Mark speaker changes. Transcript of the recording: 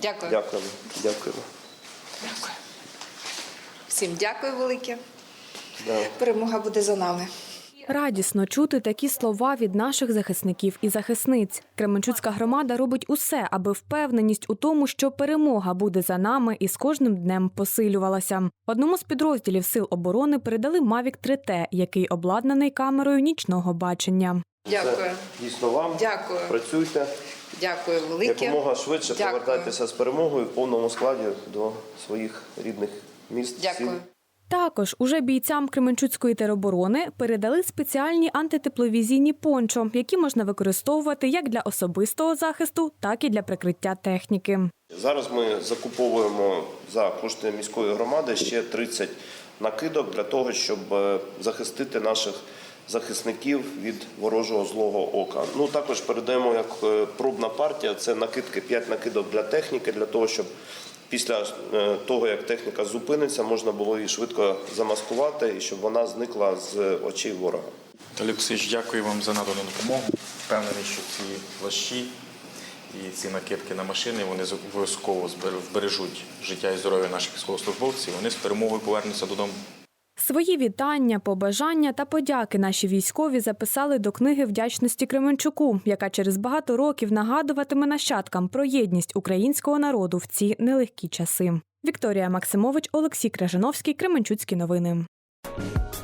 Speaker 1: Дякую.
Speaker 2: Дякуємо. Дякуємо.
Speaker 1: Дякую. Всім дякую велике.
Speaker 2: Да.
Speaker 1: Перемога буде за нами.
Speaker 3: Радісно чути такі слова від наших захисників і захисниць. Кременчуцька громада робить усе, аби впевненість у тому, що перемога буде за нами і з кожним днем посилювалася. Одному з підрозділів Сил оборони передали Mavic 3T, який обладнаний камерою нічного бачення.
Speaker 1: Дякую.
Speaker 2: Це дійсно вам.
Speaker 1: Дякую.
Speaker 2: Працюйте.
Speaker 1: Дякую велике.
Speaker 2: Якомога швидше
Speaker 1: Дякую.
Speaker 2: повертайтеся з перемогою в повному складі до своїх рідних міст.
Speaker 1: Дякую.
Speaker 2: сіл.
Speaker 3: Також уже бійцям Кременчуцької тероборони передали спеціальні антитепловізійні пончо, які можна використовувати як для особистого захисту, так і для прикриття техніки.
Speaker 2: Зараз ми закуповуємо за кошти міської громади ще 30 накидок для того, щоб захистити наших захисників від ворожого злого ока. Ну, також передаємо як пробна партія, це накидки, 5 накидок для техніки, для того, щоб після того, як техніка зупиниться, можна було її швидко замаскувати і щоб вона зникла з очей ворога.
Speaker 4: Віталій Олексійович, дякую вам за надану допомогу. Впевнений, що ці плащі і ці накидки на машини, вони обов'язково вбережуть життя і здоров'я наших військовослужбовців. Вони з перемогою повернуться додому.
Speaker 3: Свої вітання, побажання та подяки наші військові записали до книги вдячності Кременчуку, яка через багато років нагадуватиме нащадкам про єдність українського народу в ці нелегкі часи. Вікторія Максимович, Олексій Крижановський, Кременчуцькі новини.